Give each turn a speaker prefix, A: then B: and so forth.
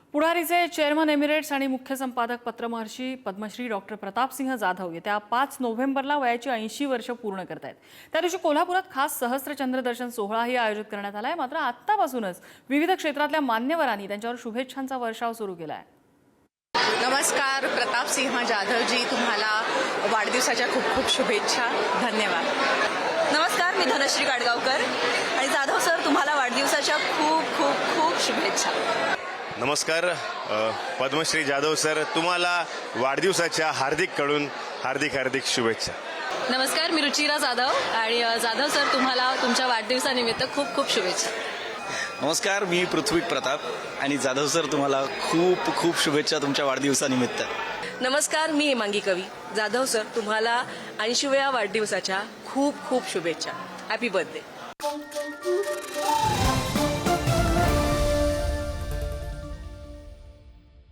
A: पुढारीचे chairman Emirates आणि मुख्य संपादक पत्रमहर्षी पद्मश्री डॉक्टर प्रतापसिंह जाधव येत्या 5 नोव्हेंबरला वयाची 80 वर्ष पूर्ण करतायत। त्या दिवशी कोल्हापुरात खास सहस्त्रचंद्र दर्शन सोहळाही आयोजित करण्यात आलाय। मात्र आत्तापासूनच विविध क्षेत्रातल्या मान्यवरांनी त्यांच्यावर शुभेच्छांचा वर्षाव सुरू केलाय।
B: नमस्कार प्रतापसिंह जाधवजी, तुम्हाला वाढदिवसाच्या खूप खूप शुभेच्छा। धन्यवाद।
C: नमस्कार, मी धनश्री काडगावकर आणि जाधव सर, तुम्हाला वाढदिवसाच्या खूप खूप खूप शुभेच्छा।
D: नमस्कार पद्मश्री जाधव सर, तुम्हाला वाढदिवसाच्या हार्दिक शुभेच्छा।
C: नमस्कार, मी रुचिरा जाधव आणि जाधव सर, तुम्हाला तुमच्या वाढदिवसानिमित्त खूप खूप शुभेच्छा।
E: नमस्कार, मी पृथ्वी प्रताप आणि जाधव सर, तुम्हाला खूप खूप शुभेच्छा तुमच्या वाढदिवसानिमित्त।
F: नमस्कार, मी हेमांगी कवी। जाधव सर, तुम्हाला 80व्या वाढदिवसाच्या खूप खूप शुभेच्छा। Happy birthday.